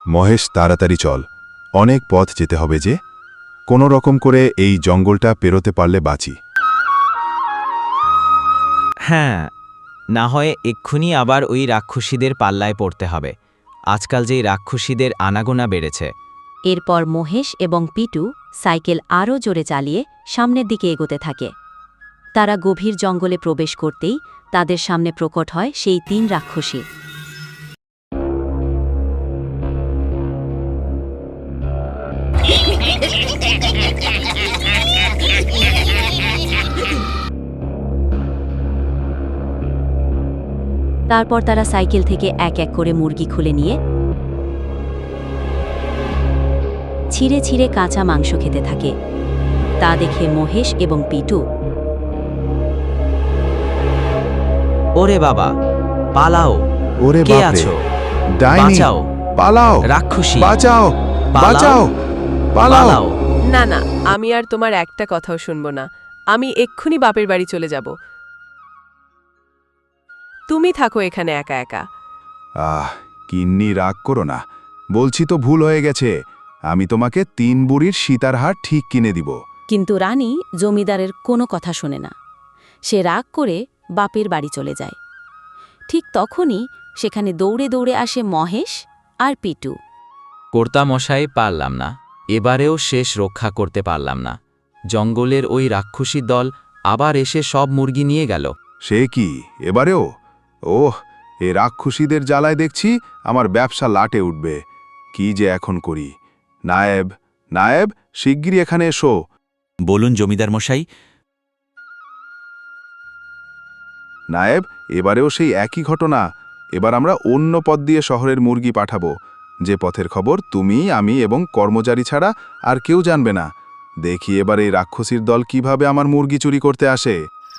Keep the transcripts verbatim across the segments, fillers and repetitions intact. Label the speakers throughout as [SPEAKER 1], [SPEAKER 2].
[SPEAKER 1] মহেশ, তাড়াতাড়ি চল, অনেক পথ যেতে হবে যে, কোনো রকম করে এই জঙ্গলটা পেরোতে পারলে বাঁচি।
[SPEAKER 2] হ্যাঁ, না হয় এক্ষুনি আবার ওই রাক্ষসীদের পাল্লায় পড়তে হবে। আজকাল যেই রাক্ষসীদের আনাগোনা বেড়েছে।
[SPEAKER 3] এরপর মহেশ এবং পিটু সাইকেল আরও জোরে চালিয়ে সামনের দিকে এগোতে থাকে। তারা গভীর জঙ্গলে প্রবেশ করতেই তাদের সামনে প্রকট হয় সেই তিন রাক্ষসী। তারপর তারা সাইকেল থেকে এক এক করে মুরগি খুলে নিয়ে ছিঁড়ে ছিঁড়ে কাঁচা মাংস খেতে থাকে। তা দেখে মহেশ এবং পিটু,
[SPEAKER 2] ওরে বাবা, পালাও!
[SPEAKER 1] ওরে
[SPEAKER 2] কে
[SPEAKER 1] বাপরে,
[SPEAKER 2] আছো?
[SPEAKER 1] ডাইনি!
[SPEAKER 2] বাঁচাও!
[SPEAKER 1] পালাও!
[SPEAKER 2] রাক্ষসী!
[SPEAKER 1] বাঁচাও!
[SPEAKER 2] পালাও!
[SPEAKER 1] বাঁচাও! পালাও!
[SPEAKER 2] পালাও!
[SPEAKER 4] না না, আমি আর তোমার একটা কথাও শুনব না। আমি এক্ষুনি বাপের বাড়ি চলে যাব। তুমি থাকো এখানে একা একা।
[SPEAKER 1] আহ, কিন্নি, রাগ করো না, বলছি তো ভুল হয়ে গেছে। আমি তোমাকে তিন বুড়ির সীতার হার ঠিক কিনে দিব।
[SPEAKER 3] কিন্তু রানী জমিদারের কোনো কথা শোনে না। সে রাগ করে বাপের বাড়ি চলে যায়। ঠিক তখনই সেখানে দৌড়ে দৌড়ে আসে মহেশ আর পিটু।
[SPEAKER 2] কর্তামশাই, পারলাম না, এবারেও শেষ রক্ষা করতে পারলাম না। জঙ্গলের ওই রাক্ষসী দল আবার এসে সব মুরগি নিয়ে গেল।
[SPEAKER 1] সে কি, এবারেও? ওহ, এ রাক্ষসীদের জ্বালায় দেখছি আমার ব্যবসা লাটে উঠবে। কি যে এখন করি! নায়েব, নায়েব, শিগগিরই এখানে এসো।
[SPEAKER 5] বলুন জমিদার মশাই।
[SPEAKER 1] নায়েব, এবারেও সেই একই ঘটনা। এবার আমরা অন্য পথ দিয়ে শহরের মুরগি পাঠাবো, যে পথের খবর তুমি, আমি এবং কর্মচারী ছাড়া আর কেউ জানবে না। দেখি এবার এই রাক্ষসীর দল কিভাবে আমার মুরগি চুরি করতে আসে।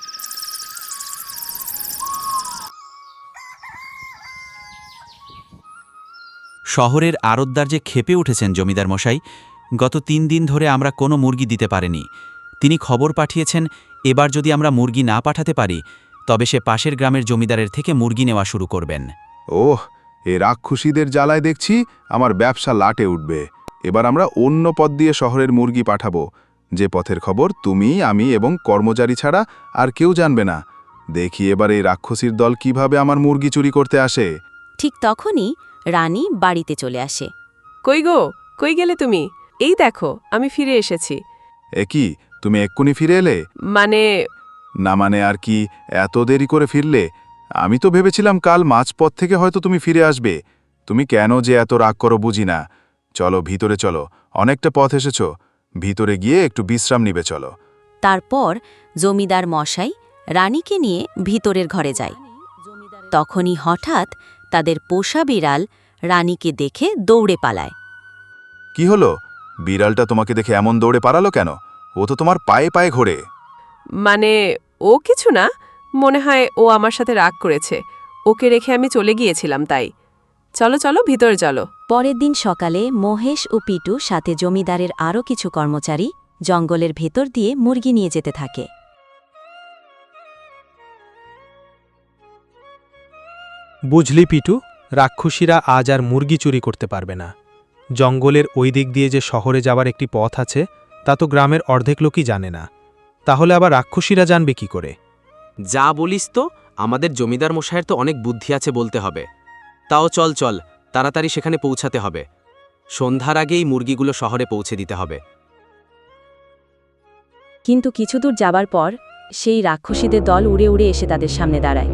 [SPEAKER 5] শহরের আড়তদার যে ক্ষেপে উঠেছেন জমিদার মশাই। গত তিন দিন ধরে আমরা কোনো মুরগি দিতে পারিনি। তিনি খবর পাঠিয়েছেন, এবার যদি আমরা মুরগি না পাঠাতে পারি তবে সে পাশের গ্রামের জমিদারের থেকে মুরগি নেওয়া শুরু করবেন।
[SPEAKER 1] ওহ, এ রাক্ষসীদের জ্বালায় দেখছি আমার ব্যবসা লাটে উঠবে। এবার আমরা অন্য পথ দিয়ে শহরের মুরগি পাঠাবো, যে পথের খবর তুমি, আমি এবং কর্মচারী ছাড়া আর কেউ জানবে না। দেখি এবার এই রাক্ষসীর দল কিভাবে আমার মুরগি চুরি করতে আসে।
[SPEAKER 3] ঠিক তখনই রানী বাড়িতে চলে আসে।
[SPEAKER 4] কই গো, কই গেলে তুমি? এই দেখো, আমি ফিরে এসেছি।
[SPEAKER 1] এ কি, তুমি এক্ষুনি ফিরে এলে?
[SPEAKER 4] মানে
[SPEAKER 1] না মানে আর কি, এত দেরি করে ফিরলে? আমি তো ভেবেছিলাম কাল মাঝপথ থেকে হয়তো তুমি ফিরে আসবে। তুমি কেন যে এত রাগ করো বুঝি না। চলো ভিতরে চলো, অনেকটা পথ এসেছো, ভিতরে গিয়ে একটু বিশ্রাম নিবে চলো।
[SPEAKER 3] তারপর জমিদার মশাই রানীকে নিয়ে ভিতরের ঘরে যায়। তখনই হঠাৎ তাদের পোষা বিড়াল রানীকে দেখে দৌড়ে পালায়।
[SPEAKER 1] কি হলো? বিড়ালটা তোমাকে দেখে এমন দৌড়ে পালালো কেন? ও তো তোমার পায়ে পায়ে ঘোরে।
[SPEAKER 4] মানে ও কিছু না, মনে হয় ও আমার সাথে রাগ করেছে। ওকে রেখে আমি চলে গিয়েছিলাম তাই। চলো চলো ভিতরে চলো।
[SPEAKER 3] পরের দিন সকালে মহেশ ও পিটু সাথে জমিদারের আরও কিছু কর্মচারী জঙ্গলের ভেতর দিয়ে মুরগি নিয়ে যেতে থাকে।
[SPEAKER 6] বুঝলি পিটু, রাক্ষসীরা আজ আর মুরগি চুরি করতে পারবে না। জঙ্গলের ওই দিক দিয়ে যে শহরে যাওয়ার একটি পথ আছে তা তো গ্রামের অর্ধেক লোকই জানে না। তাহলে আবার রাক্ষসীরা জানবে কি করে?
[SPEAKER 7] যা বলিস তো, আমাদের জমিদার মশাইয়ের তো অনেক বুদ্ধি আছে বলতে হবে। তাও চল চল, তাড়াতাড়ি সেখানে পৌঁছাতে হবে। সন্ধ্যার আগেই মুরগিগুলো শহরে পৌঁছে দিতে হবে।
[SPEAKER 3] কিন্তু কিছু দূর যাবার পর সেই রাক্ষসীদের দল উড়ে উড়ে এসে তাদের সামনে দাঁড়ায়।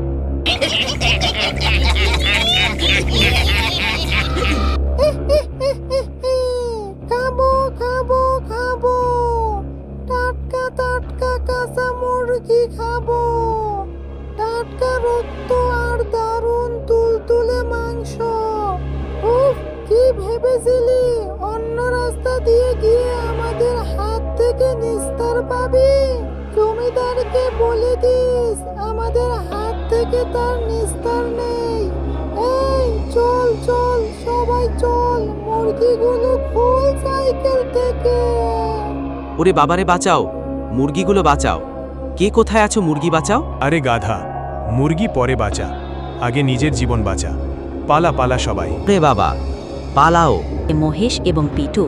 [SPEAKER 8] খাবো খাবো খাবো, টাটকা টাটকা কাঁচা মুরগি খাবো, টাটকা রক্ত আর দারুণ তুলতুলে মাংস। উফ, কি ভেবেছিলি অন্য রাস্তা দিয়ে গিয়ে আমাদের হাত থেকে নিস্তার পাবি? জমিদারকে বলে দিস আমাদের হাত থেকে তার নিস্তার নেই। এই চল চল, সবাই চল, মুরগিগুলো খোল সাইকেল থেকে।
[SPEAKER 7] ওরে বাবারে, বাঁচাও, মুরগিগুলো বাঁচাও। কে কোথায় আছো? মুরগি বাঁচাও।
[SPEAKER 6] আরে গাধা, মুরগি পরে বাঁচা, আগে নিজের জীবন বাঁচা। পালা পালা সবাই।
[SPEAKER 2] রে বাবা,
[SPEAKER 7] পালাও।
[SPEAKER 3] মহেশ এবং পিটু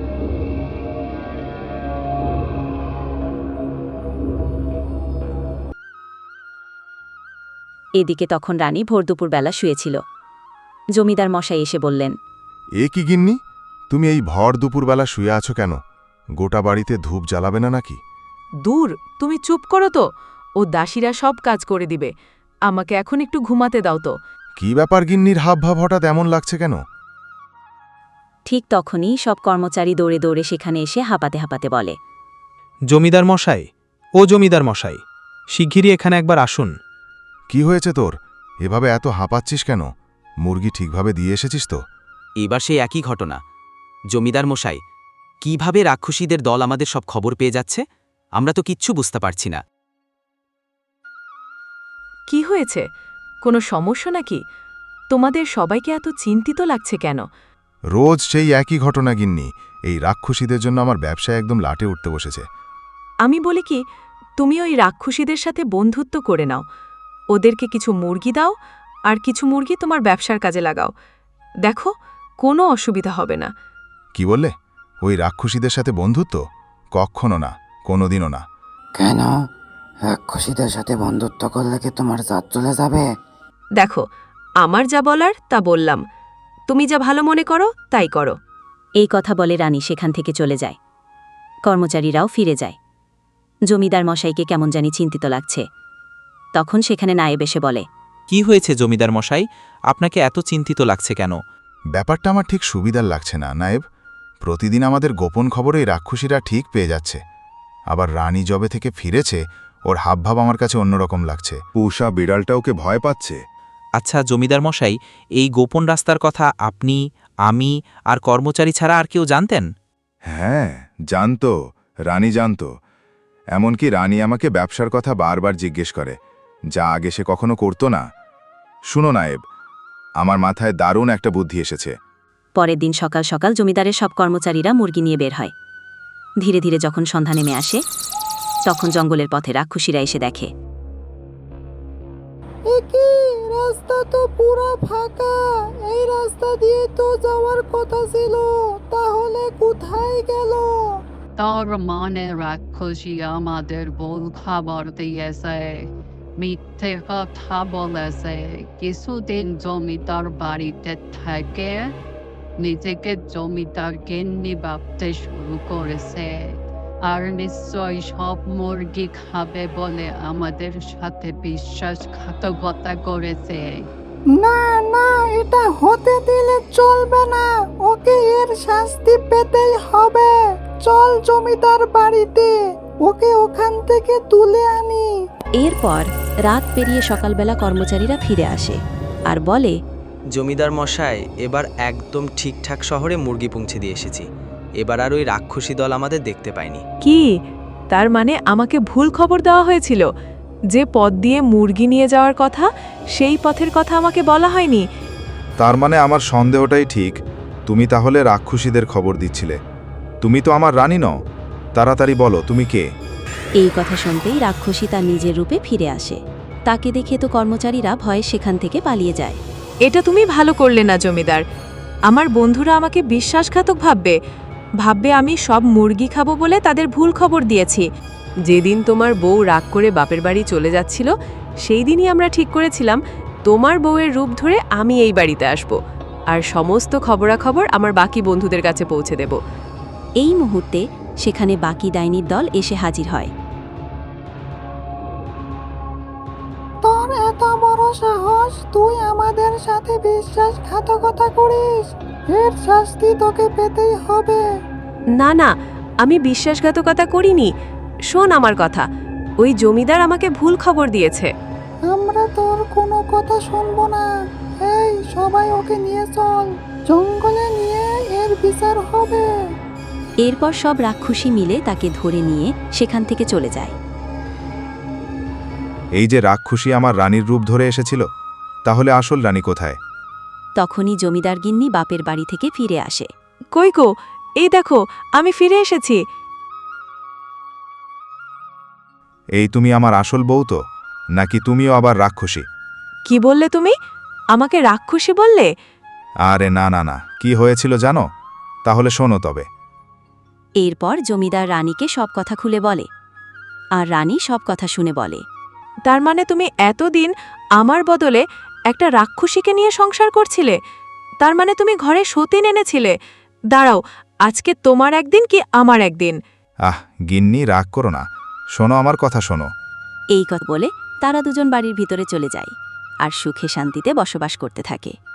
[SPEAKER 3] এদিকে তখন রানী ভোর দুপুরবেলা শুয়েছিল। জমিদার মশাই এসে বললেন,
[SPEAKER 1] এ কি গিন্নি, তুমি এই ভর দুপুরবেলা শুয়ে আছো কেন? গোটা বাড়িতে ধূপ জ্বালাবে না নাকি?
[SPEAKER 4] দূর, তুমি চুপ করো তো। ও দাসীরা সব কাজ করে দিবে। আমাকে এখন একটু ঘুমাতে দাও তো।
[SPEAKER 1] কি ব্যাপার গিন্নির হাবভাব হঠাৎ এমন লাগছে কেন?
[SPEAKER 3] ঠিক তখনই সব কর্মচারী দৌড়ে দৌড়ে সেখানে এসে হাঁপাতে হাঁপাতে বলে,
[SPEAKER 6] জমিদার মশাই, ও জমিদার মশাই, শিগগিরই এখানে একবার আসুন।
[SPEAKER 1] কি হয়েছে তোর? এভাবে এত হাঁপাচ্ছিস কেন? মুরগি ঠিকভাবে দিয়ে এসেছিস তো?
[SPEAKER 7] এবার সেই একই ঘটনা। জমিদার মশাই, কিভাবে রাক্ষসীদের দল আমাদের সব খবর পেয়ে যাচ্ছে আমরা তো কিচ্ছু বুঝতে পারছি না।
[SPEAKER 4] কি হয়েছে? কোনো সমস্যা নাকি? তোমাদের সবাইকে এত চিন্তিত লাগছে কেন?
[SPEAKER 1] রোজ সেই একই ঘটনা গিন্নি। এই রাক্ষসীদের জন্য আমার ব্যবসায় একদম লাটে উঠতে বসেছে।
[SPEAKER 4] আমি বলি কি, তুমি ওই রাক্ষসীদের সাথে বন্ধুত্ব করে নাও। ওদেরকে কিছু মুরগি দাও, আর কিছু মুরগি তোমার ব্যবসার কাজে লাগাও। দেখো, কোনো অসুবিধা হবে না।
[SPEAKER 1] কি বললে? ওই রাক্ষসীদের সাথে বন্ধুত্ব? কখনো না, কোনোদিনও না।
[SPEAKER 9] কেন? রাক্ষসীদের সাথে বন্ধুত্ব করলে কি তোমার জাত চলে যাবে?
[SPEAKER 4] দেখো, আমার যা বলার তা বললাম। তুমি যা ভালো মনে করো তাই করো।
[SPEAKER 3] এই কথা বলে রানী সেখান থেকে চলে যায়। কর্মচারীরাও ফিরে যায়। জমিদার মশাইকে কেমন জানি চিন্তিত লাগছে। তখন সেখানে নায়েব এসে বলে,
[SPEAKER 5] কি হয়েছে জমিদার মশাই, আপনাকে এত চিন্তিত লাগছে কেন?
[SPEAKER 1] ব্যাপারটা আমার ঠিক সুবিধার লাগছে না নায়েব। প্রতিদিন আমাদের গোপন খবরে এই রাক্ষসীরা ঠিক পেয়ে যাচ্ছে। আবার রানী জবে থেকে ফিরেছে, ওর হাবভাব আমার কাছে অন্যরকম লাগছে। উষা বিড়ালটা ওকে ভয় পাচ্ছে।
[SPEAKER 5] আচ্ছা জমিদার মশাই, এই গোপন রাস্তার কথা আপনি, আমি আর কর্মচারী ছাড়া আর কেউ জানতেন?
[SPEAKER 1] হ্যাঁ, জানতো, রানী জানতো। এমনকি রানী আমাকে ব্যবসার কথা বারবার জিজ্ঞেস করে, যা আগে সে কখনো করতো না। শুনো নায়েব, আমার মাথায় দারুণ একটা বুদ্ধি এসেছে।
[SPEAKER 3] পরের দিন সকাল সকাল জমিদারের সব কর্মচারীরা মুরগি নিয়ে বের হয়। ধীরে ধীরে যখন সন্ধ্যা নেমে আসে, তখন জঙ্গলের পথে রাক্ষসীরা এসে দেখে,
[SPEAKER 8] একই রাস্তা তো পুরো ফাঁকা। এই রাস্তা দিয়ে তো যাওয়ার কথা ছিল, তাহলে কোথায় গেল?
[SPEAKER 10] তার মানে রাক্ষসী আমাদের ভুল খবর দিয়েছে, মিথ্যে কথা বলেছে। কিছুদিন জমিদার বাড়িতে থেকে নিজেকে জমিদার গিন্নি ভাবতে শুরু করেছে, আর নিশ্চয় সব মুরগি খাবে বলে আমাদের সাথে বিশ্বাসঘাতকতা করেছে।
[SPEAKER 8] না না, এটা হতে দিলে চলবে না। ওকে এর শাস্তি পেতেই হবে। চল জমিদার বাড়িতে, ওকে ওখান থেকে তুলে আনি।
[SPEAKER 3] এরপর রাত পেরিয়ে সকালবেলা কর্মচারীরা ফিরে আসে আর বলে,
[SPEAKER 7] জমিদার মশাই, এবার একদম ঠিকঠাক শহরে মুরগি পৌঁছে দিয়ে এসেছি। এবার আর ওই রাক্ষসী দল আমাদের দেখতে পায়নি।
[SPEAKER 4] কি? তার মানে আমাকে ভুল খবর দেওয়া হয়েছিল? যে পথ দিয়ে মুরগি নিয়ে যাওয়ার কথা, সেই পথের কথা আমাকে বলা হয়নি।
[SPEAKER 1] তার মানে আমার সন্দেহটাই ঠিক। তুমি তাহলে রাক্ষসীদের খবর দিচ্ছিলে। তুমি তো আমার রানী নও। তাড়াতাড়ি বলো, তুমি কে?
[SPEAKER 3] এই কথা শুনতেই রাক্ষসী তার নিজের রূপে ফিরে আসে। তাকে দেখে তো কর্মচারীরা ভয়ে সেখান থেকে পালিয়ে যায়।
[SPEAKER 4] এটা তুমি ভালো করলে না জমিদার। আমার বন্ধুরা আমাকে বিশ্বাসঘাতক ভাববে ভাববে আমি সব মুরগি খাবো বলে তাদের ভুল খবর দিয়েছি। যেদিন তোমার বউ রাগ করে বাপের বাড়ি চলে যাচ্ছিল, সেই দিনই আমরা ঠিক করেছিলাম তোমার বউয়ের রূপ ধরে আমি এই বাড়িতে আসব, আর সমস্ত খবরাখবর আমার বাকি বন্ধুদের কাছে পৌঁছে দেব।
[SPEAKER 3] এই মুহূর্তে সেখানে বাকি ডাইনির দল এসে হাজির হয়।
[SPEAKER 8] তোর এত বড় সাহস, তুই আমাদের সাথে বিশ্বাসঘাতকতা করিস। এর শাস্তি তোকে পেতেই হবে।
[SPEAKER 4] না না, আমি বিশ্বাসঘাতকতা করিনি। শোন আমার কথা, ওই জমিদার আমাকে ভুল খবর দিয়েছে।
[SPEAKER 8] আমরা তোর কোনো কথা শুনবো না। এই সবাই ওকে নিয়ে চল, জঙ্গলে নিয়ে এর বিচার হবে।
[SPEAKER 3] এরপর সব রাক্ষসী মিলে তাকে ধরে নিয়ে সেখান থেকে চলে যায়।
[SPEAKER 1] এই যে রাক্ষসী আমার রানীর রূপ ধরে এসেছিল, তাহলে আসল রানী কোথায়?
[SPEAKER 3] তখনই জমিদার গিন্নি বাপের বাড়ি থেকে ফিরে আসে।
[SPEAKER 4] কই গো, এই দেখো আমি ফিরে এসেছি।
[SPEAKER 1] এই তুমি আমার আসল বউ তো, নাকি তুমিও আবার রাক্ষসী?
[SPEAKER 4] কি বললে তুমি? আমাকে রাক্ষসী বললে?
[SPEAKER 1] আরে না না না কি হয়েছিল জানো? তাহলে শোনো তবে।
[SPEAKER 3] এরপর জমিদার রানীকে সব কথা খুলে বলে আর রানী সব কথা শুনে বলে,
[SPEAKER 4] তার মানে তুমি এতদিন আমার বদলে একটা রাক্ষসীকে নিয়ে সংসার করছিলে? তার মানে তুমি ঘরে সতীন এনেছিলে? দাঁড়াও, আজকে তোমার একদিন কি আমার একদিন?
[SPEAKER 1] আহ গিন্নি, রাগ করো না, শোনো আমার কথা শোনো।
[SPEAKER 3] এই কথা বলে তারা দুজন বাড়ির ভিতরে চলে যায় আর সুখে শান্তিতে বসবাস করতে থাকে।